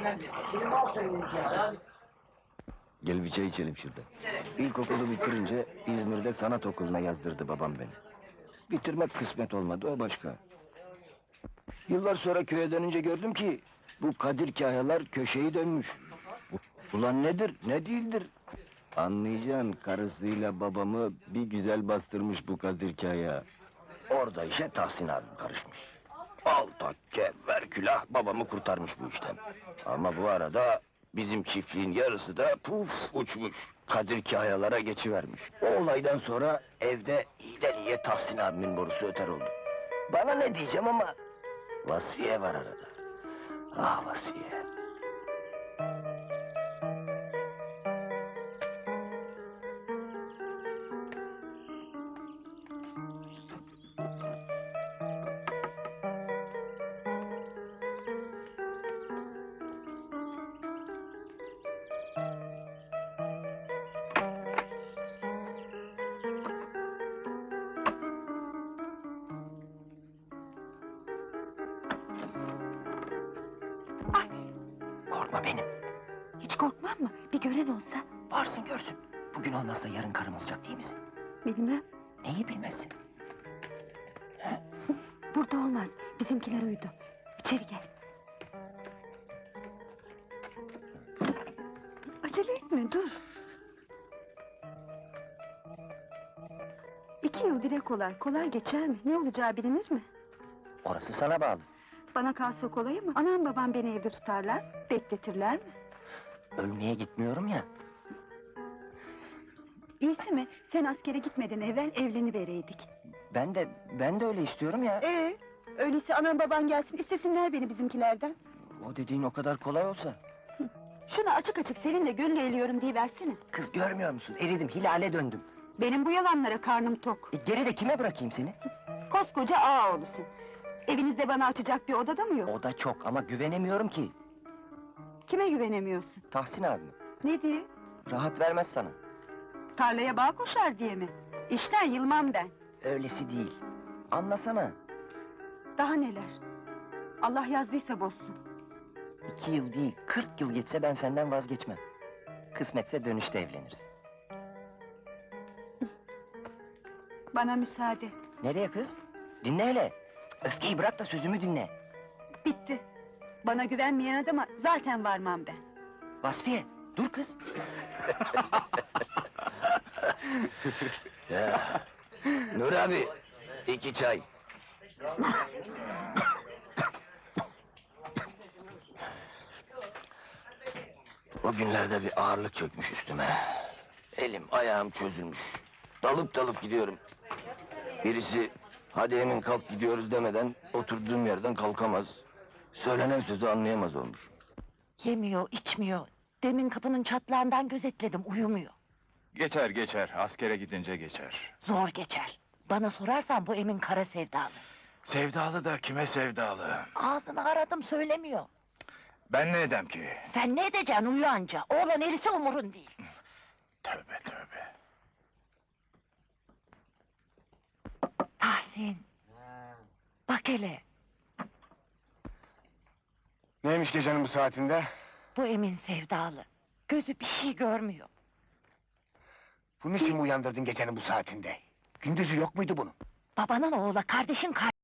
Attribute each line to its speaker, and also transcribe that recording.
Speaker 1: Gel bir çay içelim şurada. İlkokulu bitirince İzmir'de sanat okuluna yazdırdı babam beni. Bitirmek kısmet olmadı, o başka. Yıllar sonra köye dönünce gördüm ki bu Kadir Kahyalar köşeyi dönmüş. Ulan nedir, ne değildir? Anlayacaksın, karısıyla babamı bir güzel bastırmış bu Kadir Kahya. Orada işe Tahsin abim karışmış. Al takke, ver külah, babamı kurtarmış bu işten. Ama bu arada bizim çiftliğin yarısı da puf uçmuş. Kadir Kahyalara geçivermiş. O olaydan sonra evde iyiden iyiye Tahsin abimin borusu öter oldu. Bana ne diyeceğim ama Vasfiye var arada. Ah Vasfiye. Korkma benim.
Speaker 2: Hiç korkmam mı? Bir gören olsa.
Speaker 1: Varsın görsün. Bugün olmazsa yarın karım olacak değil misin?
Speaker 2: Bilmem.
Speaker 1: Neyi bilmezsin?
Speaker 2: Burada olmaz. Bizimkiler uyudu. İçeri gel. Acele etme, dur. 2 yıl dile kolay. Kolay geçer mi? Ne olacağı bilinir mi?
Speaker 1: Orası sana bağlı.
Speaker 2: Bana kalsa kolay mı? Anam babam beni evde tutarlar. Bekletirler mi?
Speaker 1: Ölmeye gitmiyorum ya.
Speaker 2: İyisi mi? Sen askere gitmeden evvel evlenivereydik.
Speaker 1: Ben de öyle istiyorum ya.
Speaker 2: Öyleyse anam baban gelsin, istesinler beni bizimkilerden.
Speaker 1: O dediğin o kadar kolay olsa.
Speaker 2: Şunu açık açık seninle gönül eğliyorum diyiversene.
Speaker 1: Kız görmüyor musun? Eridim, hilale döndüm.
Speaker 2: Benim bu yalanlara karnım tok.
Speaker 1: Geride kime bırakayım seni?
Speaker 2: Koskoca ağa oğlusun. Evinizde bana açacak bir odada mı yok?
Speaker 1: O da çok ama güvenemiyorum ki.
Speaker 2: Kime güvenemiyorsun?
Speaker 1: Tahsin abi.
Speaker 2: Ne diye?
Speaker 1: Rahat vermez sana.
Speaker 2: Tarlaya bağ koşar diye mi? İşten yılmam ben.
Speaker 1: Öylesi değil. Anlasana.
Speaker 2: Daha neler? Allah yazdıysa bozsun.
Speaker 1: 2 yıl değil, 40 yıl geçse ben senden vazgeçmem. Kısmetse dönüşte evleniriz.
Speaker 2: Bana müsaade.
Speaker 1: Nereye kız? Dinle hele. Öfkeyi bırak da sözümü dinle.
Speaker 2: Bitti. Bana güvenmeyen adama zaten varmam ben.
Speaker 1: Vasfiye, dur kız. Ya. Nur abi, 2 çay. O günlerde bir ağırlık çökmüş üstüme. Elim ayağım çözülmüş. Dalıp dalıp gidiyorum. Birisi hadi Emin kalk gidiyoruz demeden oturduğum yerden kalkamaz. Söylenen sözü anlayamaz olmuş.
Speaker 2: Yemiyor, içmiyor. Demin kapının çatlağından gözetledim, uyumuyor.
Speaker 3: Geçer geçer, askere gidince geçer.
Speaker 2: Zor geçer. Bana sorarsan bu Emin kara sevdalı.
Speaker 3: Sevdalı da kime sevdalı?
Speaker 2: Ağzını aradım, söylemiyor.
Speaker 3: Ben ne edem ki?
Speaker 2: Sen ne edeceksin, uyu anca. Oğlan erisi umurun değil.
Speaker 3: Tövbe tövbe.
Speaker 2: Tahsin. Bak hele,
Speaker 4: Neymiş gecenin bu saatinde?
Speaker 2: bu Emin sevdalı. Gözü bir şey görmüyor.
Speaker 4: Bunun için mi uyandırdın gecenin bu saatinde? Gündüzü yok muydu bunun?
Speaker 2: Babanın oğla, kardeşin